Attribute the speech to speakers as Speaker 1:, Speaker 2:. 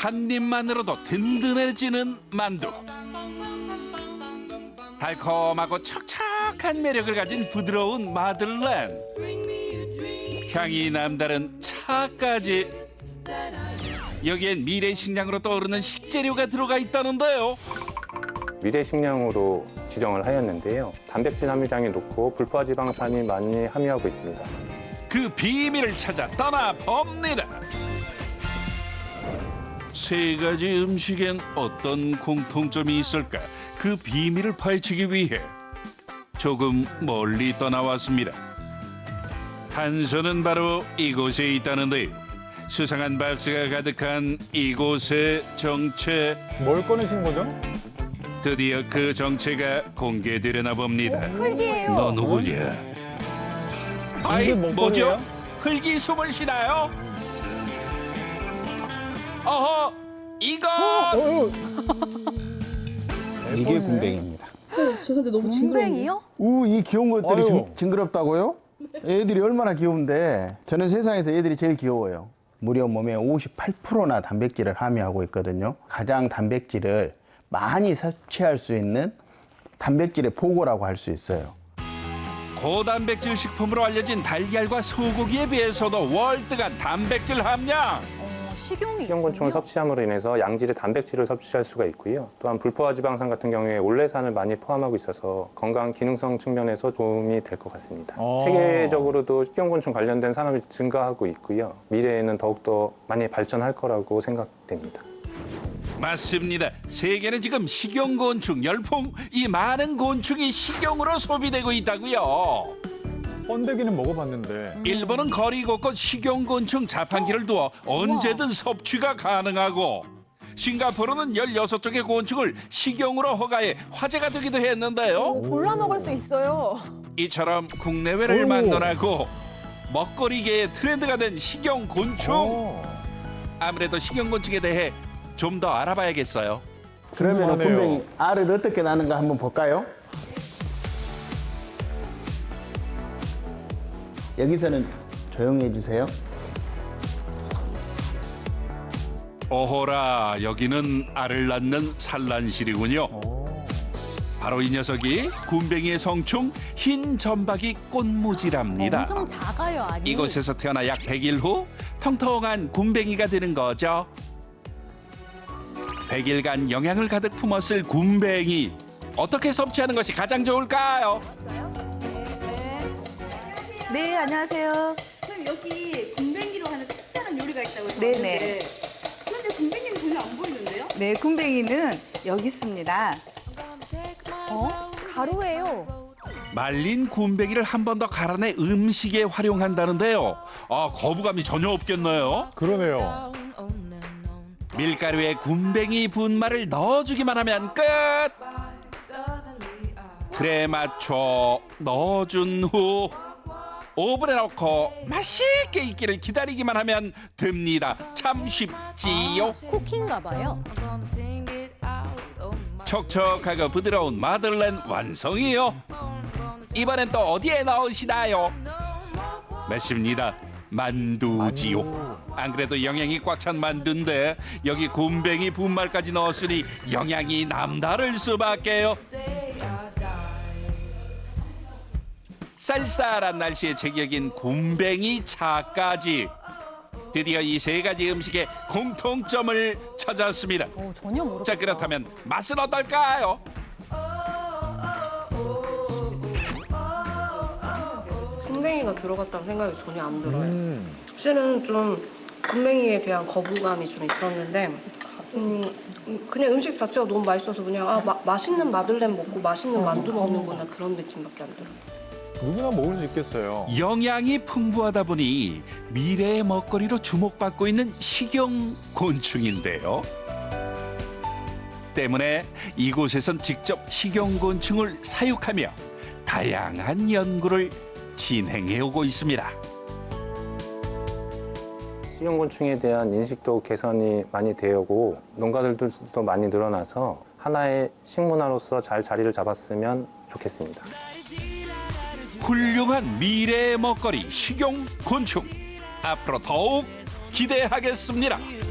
Speaker 1: 한 입만으로도 든든해지는 만두. 달콤하고 촉촉한 매력을 가진 부드러운 마들렌. 향이 남다른 차까지. 여기엔 미래 식량으로 떠오르는 식재료가 들어가 있다는데요.
Speaker 2: 미래 식량으로 지정을 하였는데요. 단백질 함유량이 높고 불포화지방산이 많이 함유하고 있습니다.
Speaker 1: 그 비밀을 찾아 떠나봅니다. 세 가지 음식엔 어떤 공통점이 있을까? 그 비밀을 파헤치기 위해 조금 멀리 떠나왔습니다. 단서는 바로 이곳에 있다는데요. 수상한 박스가 가득한 이곳의 정체.
Speaker 3: 뭘 꺼내신 거죠?
Speaker 1: 드디어 그 정체가 공개되려나 봅니다.
Speaker 4: 흙이에요.
Speaker 1: 너 누구냐? 아이,
Speaker 3: 이게
Speaker 1: 뭐죠?
Speaker 3: 먹거리예요?
Speaker 1: 흙이 숨을 쉬나요? 어허, 이거
Speaker 5: 이게 군뱅이입니다.
Speaker 6: 죄송한데 너무 징그러운데요?
Speaker 4: 군뱅이요?
Speaker 5: 이 귀여운 것들이
Speaker 3: 아유.
Speaker 5: 징그럽다고요? 애들이 얼마나 귀여운데 저는 세상에서 애들이 제일 귀여워요. 무려 몸의 58%나 단백질을 함유하고 있거든요. 가장 단백질을 많이 섭취할 수 있는 단백질의 보고라고 할 수 있어요.
Speaker 1: 고단백질 식품으로 알려진 달걀과 소고기에 비해서도 월등한 단백질 함량.
Speaker 4: 식용이
Speaker 2: 식용곤충을 섭취함으로 인해서 양질의 단백질을 섭취할 수가 있고요. 또한 불포화지방산 같은 경우에 올레산을 많이 포함하고 있어서 건강 기능성 측면에서 도움이 될 것 같습니다. 세계적으로도 식용곤충 관련된 산업이 증가하고 있고요. 미래에는 더욱더 많이 발전할 거라고 생각됩니다.
Speaker 1: 맞습니다. 세계는 지금 식용곤충 열풍. 이 많은 곤충이 식용으로 소비되고 있다고요.
Speaker 3: 번데기는 먹어봤는데
Speaker 1: 일본은 거리 곳곳 식용곤충 자판기를 두어 언제든 섭취가 가능하고, 싱가포르는 16종의 곤충을 식용으로 허가해 화제가 되기도 했는데요.
Speaker 4: 골라 먹을 수 있어요.
Speaker 1: 이처럼 국내외를
Speaker 3: 오.
Speaker 1: 막론하고 먹거리계의 트렌드가 된 식용곤충. 아무래도 식용곤충에 대해 좀 더 알아봐야겠어요.
Speaker 5: 그러면
Speaker 3: 궁금하네요.
Speaker 5: 군뱅이 알을 어떻게 나는가 한번 볼까요? 여기서는 조용히 해주세요.
Speaker 1: 오호라, 여기는 알을 낳는 산란실이군요. 바로 이 녀석이 군뱅이의 성충 흰 점박이 꽃무지랍니다.
Speaker 4: 엄청 작아요, 알이.
Speaker 1: 이곳에서 태어나 약 100일 후 통통한 군뱅이가 되는 거죠. 100일간 영양을 가득 품었을 군뱅이. 어떻게 섭취하는 것이 가장 좋을까요?
Speaker 7: 네, 안녕하세요.
Speaker 6: 선생님 여기 군뱅이로 하는 특별한 요리가 있다고
Speaker 7: 네네.
Speaker 6: 들었는데 그런데 군뱅이는 전혀 안 보이는데요?
Speaker 7: 네, 군뱅이는 여기 있습니다.
Speaker 4: 가루예요.
Speaker 1: 말린 군뱅이를 한 번 더 갈아내 음식에 활용한다는데요. 아, 거부감이 전혀 없겠네요.
Speaker 3: 그러네요.
Speaker 1: 밀가루에 군뱅이 분말을 넣어주기만 하면 끝. 틀에 맞춰 넣어준 후 오븐에 넣고 맛있게 익기를 기다리기만 하면 됩니다. 참 쉽지요.
Speaker 4: 쿠키인가 봐요.
Speaker 1: 촉촉하고 부드러운 마들렌 완성이요. 이번엔 또 어디에 넣으시나요? 맞습니다. 만두지요. 안 그래도 영양이 꽉 찬 만두인데 여기 군뱅이 분말까지 넣었으니 영양이 남다를 수밖에요. 쌀쌀한 날씨에 제격인 군뱅이 차까지. 드디어 이 세 가지 음식의 공통점을 찾았습니다.
Speaker 4: 전혀 모르겠다.
Speaker 1: 자, 그렇다면 맛은 어떨까요?
Speaker 8: 군뱅이가 들어갔다는 생각이 전혀 안 들어요. 사실은 좀 군뱅이에 대한 거부감이 좀 있었는데 그냥 음식 자체가 너무 맛있어서 그냥 맛있는 마들렌 먹고 맛있는 만두 먹는구나 그런 느낌밖에 안 들어요.
Speaker 3: 누구나 먹을 수 있겠어요.
Speaker 1: 영양이 풍부하다 보니 미래의 먹거리로 주목받고 있는 식용 곤충인데요. 때문에 이곳에선 직접 식용 곤충을 사육하며 다양한 연구를 진행해 오고 있습니다.
Speaker 2: 식용곤충에 대한 인식도 개선이 많이 되고 농가들도 많이 늘어나서 하나의 식문화로서 잘 자리를 잡았으면 좋겠습니다.
Speaker 1: 훌륭한 미래의 먹거리 식용 곤충. 앞으로 더욱 기대하겠습니다.